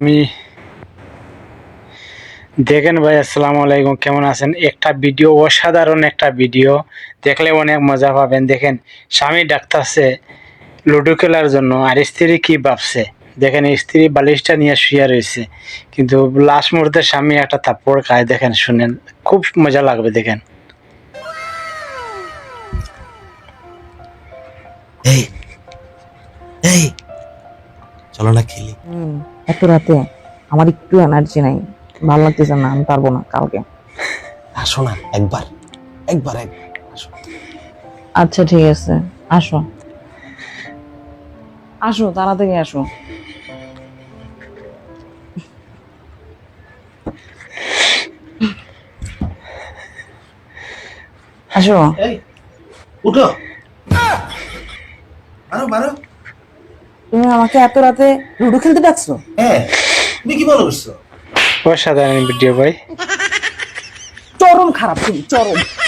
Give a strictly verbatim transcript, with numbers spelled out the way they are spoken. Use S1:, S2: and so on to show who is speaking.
S1: আমি দেখেন ভাই, আসসালামু আলাইকুম, কেমন আছেন? একটা ভিডিও, অসাধারণ একটা ভিডিও, দেখলে অনেক মজা পাবেন। দেখেন, স্বামী ডাকতেছে লুডো খেলার জন্য, আর স্ত্রী কি ভাবছে দেখেন। স্ত্রী বালিশটা নিয়ে শুয়ে রয়েছে, কিন্তু লাস্ট মুহূর্তে স্বামী একটা থাপ্পড় খায়। দেখেন, শুনেন, খুব মজা লাগবে। দেখেন।
S2: এই এই চলো না খেলি।
S3: হুম এত রাতে আমার একটু এনার্জি নাই, ভালো লাগতেছে না, আমি পারবো না কালকে।
S2: আসো না একবার একবার একবার আসো।
S3: আচ্ছা ঠিক আছে, আসো আসো তাড়াতাড়ি আসো। আসো।
S2: এই উঠো, মারো মারো।
S3: তুমি আমাকে এত রাতে লুডো খেলতে ডাকছো?
S2: হ্যাঁ, তুমি কি মনে করছো?
S1: অসাধারণ ভিডিও ভাই।
S3: চরম খারাপ, তুমি চরম।